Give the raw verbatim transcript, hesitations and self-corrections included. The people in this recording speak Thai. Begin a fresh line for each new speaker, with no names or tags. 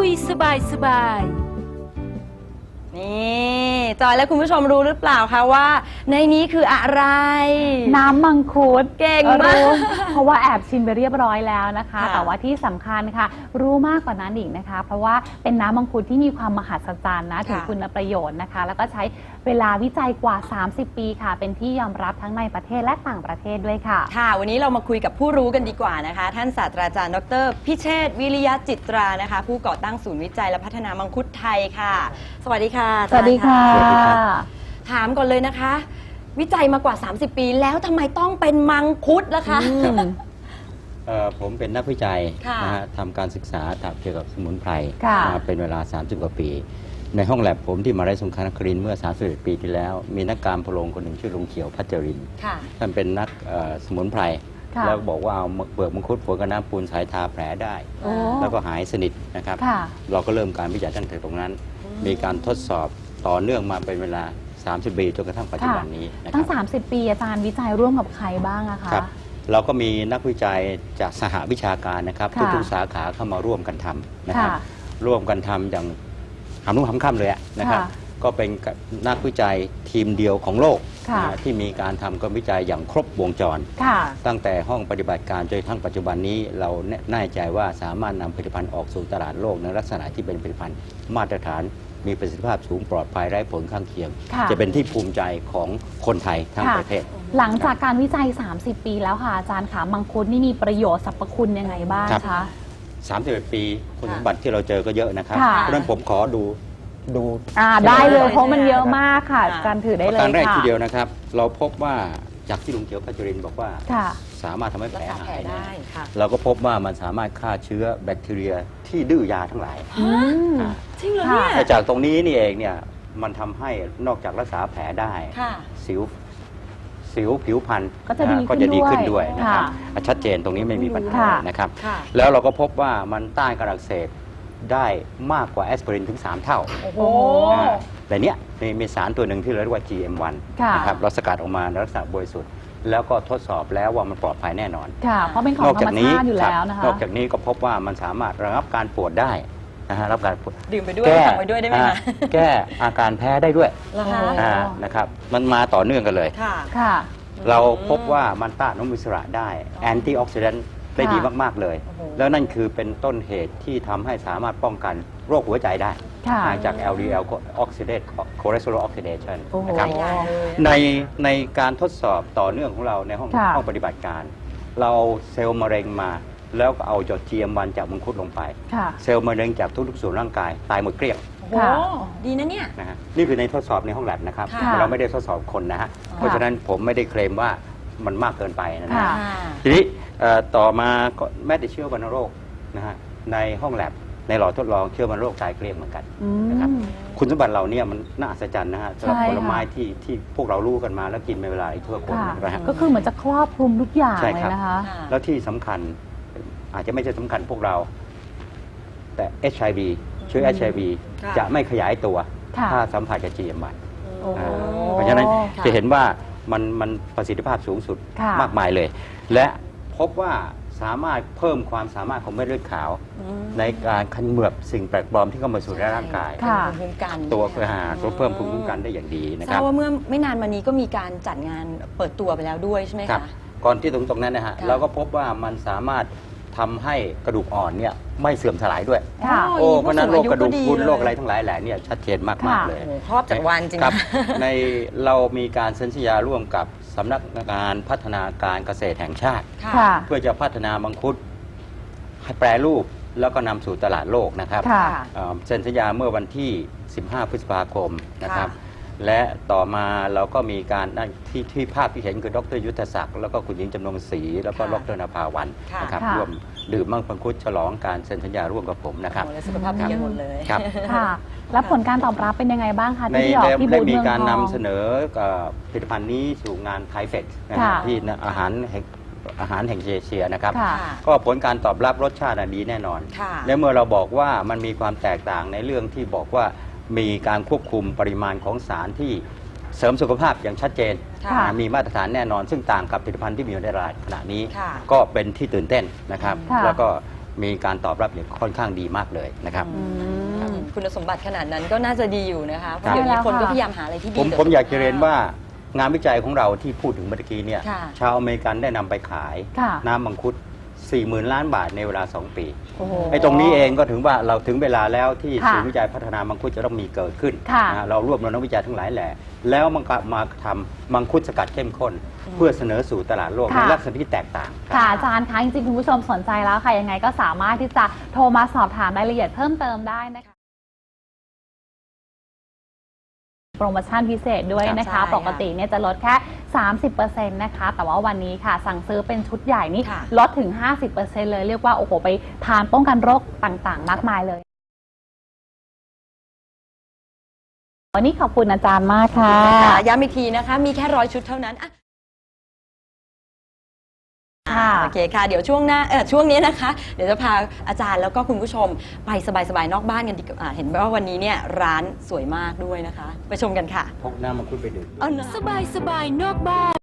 ยสบายสบาย
นี่จอยและคุณผู้ชมรู้หรือเปล่าคะว่าในนี้คืออะไร
น้ำมังคุด
เก่งมาก
เพราะว่าแอบชิมไปเรียบร้อยแล้วนะคะ
ค่ะ
แต่ว่าที่สำคัญค่ะรู้มากกว่านั้นอีกนะคะ เพราะว่าเป็นน้ำมังคุดที่มีความมหัศจรรย์นะถึงคุณประโยชน์นะคะ แล้วก็ใช้เวลาวิจัยกว่า สามสิบ ปีค่ะเป็นที่ยอมรับทั้งในประเทศและต่างประเทศด้วยค่ะ
ค่ะวันนี้เรามาคุยกับผู้รู้กันดีกว่านะคะท่านศาสตราจารย์ดรพิเชษฐ์วิริยะจิตรานะคะผู้ก่อตั้งศูนย์วิจัยและพัฒนามังคุดไทยค่ะสวัสดีค่ะ
สวัสดีค่ะ
ถามก่อนเลยนะคะวิจัยมากว่า สามสิบ ปีแล้วทำไมต้องเป็นมังคุดล่ะคะ
ผมเป็นนักวิจัย
ค่ะ
นะฮะทำการศึกษาเกี่ยวกับสมุนไพร
ค่ะ
มาเป็นเวลา สามสิบ กว่าปี ในห้องแลบผมที่มหาวิทยาลัยสงขลานครินทร์เมื่อ สามสิบเอ็ด ปีที่แล้ว มีนักการพะโรงคนหนึ่งชื่อลุงเขียวพัชรินทร์
ค่ะ
ท่านเป็นนักเอ่อสมุนไพร
ค่ะ
แล้วบอกว่าเอาเปลือกมังคุดฝนกับน้ำปูนสายทาแผลได้
โอ้
แล้วก็หายสนิทนะครับ
ค่ะ
เราก็เริ่มการวิจัยตั้งแต่ตรงนั้น มีการทดสอบต่อเนื่องมาเป็นเวลา สามสิบ ปีจนกระทั่งปัจจุบันนี้นะค
ตั้
รั
ง
บ
สามสิบ ปีอาจารย์วิจัยร่วมกับใครบ้างอะคะ
ครับเราก็มีนักวิจัยจากสหวิชาการนะครับ
ค่ะ
ทุกๆสาขาเข้ามาร่วมกันทำนะครับ
ค่ะ
ร่วมกันทำอย่างหำนุ่งหำค่ำเลยอะนะครับ
ค่ะ
ก็เป็นนักวิจัยทีมเดียวของโลก
ค่ะ
นะที่มีการทำการวิจัยอย่างครบวงจร
ค่ะ
ตั้งแต่ห้องปฏิบัติการจนกระทั่งปัจจุบันนี้เราแน่ใจว่าสามารถนำผลิตภัณฑ์ออกสู่ตลาดโลกในลักษณะที่เป็นผลิตภัณฑ์มาตรฐานมีประสิทธิภาพสูงปลอดภัยไร้ผลข้างเคียง
ค่ะ
จะเป็นที่ภูมิใจของคนไทยทั้ง
ค่ะ
ประเทศ
หลังจากการวิจัย สามสิบ ปีแล้วค่ะอาจารย์ค่ะมังคุดนี่มีประโยชน์สรรพคุณยังไงบ้าง
ครับ
คะ
สามสิบเอ็ด ปีคุณสมบัติที่เราเจอก็เยอะนะครับ
ค่ะ
เพราะฉะนั้นผมขอดูดู
อ่าได้เลย
ได้
เพราะมันเยอะมากค่ะ
ค่ะ
การถือได้
ประ
เลย
การแรก
ค่ะ
ทีเดียวนะครับ เราพบว่าจากที่ลุงเขียวพัชรินทร์บอกว่า
ค่ะ
สามารถทำให้แผ
รั
ล
กษาแผล
หาย
ได้ค่ะ
เราก็พบว่ามันสามารถฆ่าเชื้อแบคทีเรียที่ดื้อยาทั้งหลาย
อืม
อ่า
จริงเหรอเนี่ย
ค่ะ
แต่จากตรงนี้นี่เองเนี่ยมันทำให้นอกจากรักษาแผลได้
ค่ะ
สิวสิวผิวพรรณ
ก็จะดี
นฮก็จะดีขึ้น
ขึ้นด้
ด้
ว
วย ยนะครับ
ค่ะ
ชัดเจนตรงนี้ไม่มีปัญหา
ค่ะ
นะครับ
ค่ะ
แล้วเราก็พบว่ามันต้านการอักเสบได้มากกว่าแอสไพรินถึง สาม เท่า
โอ้โห
อ่าแต่เนี้ยมีมีสารตัวหนึ่งที่เราเรียกว่า จี เอ็ม วัน
ค่ะ
นะครับเราสกัดออกมาในลักษณะบริสุทธิ์แล้วก็ทดสอบแล้วว่ามันปลอดภัยแน่นอน
ค่ะ เพราะเป็นของ
นอก
ธร
จาก
รม
นี้
ชาติอยู่
ครั
แล้ว
บ
นะคะ
นอกจากนี้ก็พบว่ามันสามารถระงับการปวดได้นะฮะรับการปวด
ดื่มไปด้วย
แก้
สั่งไปด้วยได้ไหม
อ่า
คะ
แก้อาการแพ้ได้ด้วย
เหรอคะ
อ๋อ
อ่านะครับมันมาต่อเนื่องกันเลย
ค่ะ
ค่ะ
เราพบว่ามันต้านอนุมูลอิสระได้แอนตี้ออกซิแดนต์ได้ดีมาก ๆ เลย
โอ้โห
แล้วนั่นคือเป็นต้นเหตุที่ทำให้สามารถป้องกันโรคหัวใจได้
ค่ะ
อ่าจาก แอล ดี แอล oxidate cholesterol oxidation
โอ้โห
นะครับ
ใหญ่เลย
ในในการทดสอบต่อเนื่องของเราในห้อง
ค่ะ
ห้องปฏิบัติการ เราเอาเซลล์มะเร็งมา แล้วก็เอาจด จี เอ็ม วัน จากมังคุดลงไป
ค่ะ
เซลล์มะเร็งจากทุกๆส่วนร่างกายตายหมดเกลี้ยง
โอ้โห
ค่ะ
ดีนะเนี่ย
นะฮะนี่คือในทดสอบในห้องแลบนะครับ
ค่ะ
เราไม่ได้ทดสอบคนนะฮะเพราะฉะนั้นผมไม่ได้เคลมว่ามันมากเกินไปนะ
ค่ะ
ฮะทีนี้เอ่อต่อมาก็แม้แต่เชื้อวัณโรคนะฮะในห้องแลบในหลอดทดลองเชื้อวัณโรคตายเกลี้ยงเหมือนกัน
อื
นะครับ
ม
คุณสมบัติเหล่านี้มันน่าอัศจรรย์นะฮะสำหรับ
ใช่
ผลไม้
ค่ะ
ที่ที่พวกเรารู้กันมาแล้วกินในเวลาทั่วคน
ค่ะ
นะฮะ
ก็คือเหมือนจะครอบคลุมทุกอย่าง
ใช่
เลย
ครับ
นะคะ
ค่ะ
แล้วที่สำคัญอาจจะไม่ใช่สำคัญพวกเรา แต่ เอช ไอ วี เชื้อ เอช ไอ วี
ค่ะ
จะไม่ขยายตัว
ค่ะ
ถ้าสัมผัสกับ จี เอ็ม วัน
โอ้
อ่าเพราะฉะนั้น
ค่ะ
จะเห็นว่ามันมันประสิทธิภาพสูงสุด
ค่ะ
มากมายเลย และพบว่าสามารถเพิ่มความสามารถของเม็ดเลือดขาว
อืม
ในการคันเหมือบสิ่งแปลกปลอมที่เข้ามาสู่ในร่างกาย
ค่ะ
เป็นภูมิคุ้มกัน
ตัว
ใช่ไหม
หา
คะ
ตัวเพิ่มภูมิคุ้มกันได้อย่างดีนะ
ท
ค
รา
รั
บบ ว่าเมื่อไม่นานมานี้ก็มีการจัดงานเปิดตัวไปแล้วด้วยใช่ไหม
ครับ
คะ
ก่อนที่ตรงตรงนั้นนะฮะ
ค่ะ
เราก็พบว่ามันสามารถทำให้กระดูกอ่อนเนี่ยไม่เสื่อมสลายด้วย
ค่ะ
โอ้เพราะฉะนั้นโรคกระดูกพรุน
เลย
โรคอะไรทั้งหลายแหล่เนี่ยชัดเจนมาก
ค่ะ
ๆเลย
โอ้โหครอบจักรวาลจริง
ครับ
นะ
ในเรามีการเซ็นสัญญาร่วมกับสำนักงานพัฒนาการเกษตรแห่งชาติ
ค่ะ
เพื่อจะพัฒนามังคุดให้แปรรูปแล้วก็นำสู่ตลาดโลกนะครับ
ค่ะ
เอ่อเซ็นสัญญาเมื่อวันที่ สิบห้า พฤษภาคมนะครับ
ค่ะ
และต่อมาเราก็มีการนั่นที่ที่ภาพที่เห็นคือดรยุทธศักดิ์แล้วก็คุณหญิงจำนงศรีแล้วก็
ค่ะ
ดรนภาวัน
ค่ะ
นะครับ
ค่ะ
ร่วมดื่มมังคุดฉลองการเซ็นสัญญาร่วมกับผมนะครับ
โอ้โหแล้วสุขภาพดีกันหมดเลย
ครับ
ค่ะ แล้วผลการตอบรับเป็นยังไงบ้างคะ
ใน
ที่ออก
ได้
ที่บู
ได้
ธ
มี
เมือง
การ
ท
นำ
อง
เสนอเอ่อผลิตภัณฑ์นี้สู่งานไทเฟกนะฮะ
ค่ะ
ที่อาหารแห่งอาหารแห่งเอเชียนะครับ
ค่ะ
ก็ผลการตอบรับรสชาติอะดีแน่นอน
ค่ะ
และเมื่อเราบอกว่ามันมีความแตกต่างในเรื่องที่บอกว่ามีการควบคุมปริมาณของสารที่เสริมสุขภาพอย่างชัดเจน
ค่ะ
อ่ามีมาตรฐานแน่นอน ซึ่งต่างกับผลิตภัณฑ์ที่มีอยู่ในตลาดขณะนี้
ค่ะ
ก็เป็นที่ตื่นเต้นนะครับ
ค่ะ
แล้วก็มีการตอบรับเนี่ยค่อนข้างดีมากเลยนะครับ
อืม
คุณสมบัติขนาดนั้นก็น่าจะดีอยู่นะคะเพ
ครั
ราะ
บ
เดี๋ยวนี้
ใช่แล้ว
คนก็
ค่ะ
พยายามหาอะไรที่ดี
ผม
ต่
ผมอยากจะ
สุขภพ
เรียนว่างานวิจัยของเราที่พูดถึงเมื่อกี้เนี่ย
ค่ะ
ชาวอเมริกันได้นำไปขาย
ค่ะ
น้ำมังคุด สี่หมื่น ล้านบาทในเวลา สอง ปี
โอ้โห
ไอ้ตรงนี้เองก็ถึงว่าเราถึงเวลาแล้วที่
ค่ะ
ศูนย์วิจัยพัฒนามังคุดจะต้องมีเกิดขึ้น
ค่ะ
นะฮะเรารวบรวมนักวิจัยทั้งหลายแหล่แล้วมันก็มาทำมังคุดสกัดเข้มข้น เพื่อเสนอสู่ตลาดโลก
ค่ะ
ในลักษณะที่แตกต่าง
ค่ะอาจารย์คะจริงๆคุณผู้ชมสนใจแล้วค่ะยังไงก็สามารถที่จะโทรมาสอบถามรายละเอียดเพิ่มเติมได้นะคะโปรโมชั่นพิเศษด้วยนะ
ใช่
คะ
ค่ะ
ปกติเนี่ยจะลดแค่ สามสิบเปอร์เซ็นต์ นะคะ แต่ว่าวันนี้ค่ะ สั่งซื้อเป็นชุดใหญ่นี่
ค่ะ
ลดถึง ห้าสิบเปอร์เซ็นต์ เลยเรียกว่าโอ้โหไปทานป้องกันโรคต่างๆ มากมายเลย วันนี้ขอบคุณอาจารย์มากค่ะ
ค่ะย้ำอีกทีนะคะ มีแค่ร้อยชุดเท่านั้นอ่ะ
ค่ะ
โอเคค่ะ เดี๋ยวช่วงหน้าเออช่วงนี้นะคะ เดี๋ยวจะพาอาจารย์แล้วก็คุณผู้ชมไปสบายๆนอกบ้านกันดีกว่าเห็นว่าวันนี้เนี่ยร้านสวยมากด้วยนะคะ ไปชมกันค่ะ
พกน้ำมังคุดไปดื่ม
เอานะ
สบายสบายนอกบ้าน